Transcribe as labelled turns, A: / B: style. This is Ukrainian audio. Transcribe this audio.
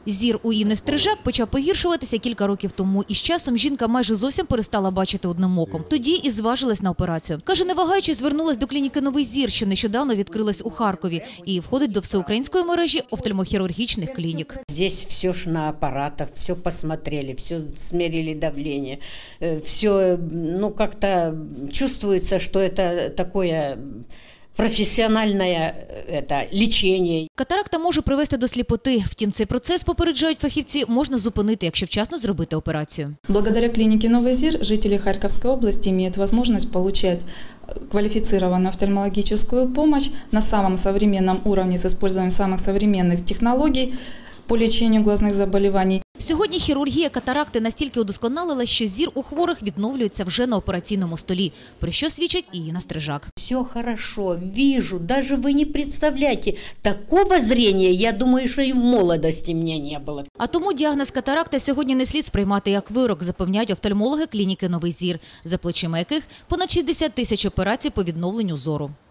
A: Зір у Інни Стрижак почав погіршуватися кілька років тому. І з часом жінка майже зовсім перестала бачити одним оком. Тоді і зважилась на операцію. Каже, не вагаючись, звернулась до клініки «Новий зір», що нещодавно відкрилась у Харкові. І входить до всеукраїнської мережі офтальмохірургічних клінік.
B: Здесь все ж на апаратах, все посмотрели, все смерили давление. Все, как-то чувствуется, что это такое професіональне лічення.
A: Катаракта може привести до сліпоти. Втім, цей процес, попереджають фахівці, можна зупинити, якщо вчасно зробити операцію.
C: Благодаря клинике «Новый зир» жители Харьковской области имеют возможность получать квалифицированную офтальмологическую помощь на самом современном уровне с использованием самых современных технологий по лечению глазных заболеваний.
A: Сьогодні хірургія катаракти настільки удосконалила, що зір у хворих відновлюється вже на операційному столі, про що свідчить і Інна Стрижак.
B: Все хорошо, вижу, даже вы не представляете, такого зрения, я думаю, що і в молодості мене не було.
A: А тому діагноз катаракти сьогодні не слід сприймати як вирок, запевняють офтальмологи клініки «Новий зір», за плечима яких понад 60 тисяч операцій по відновленню зору.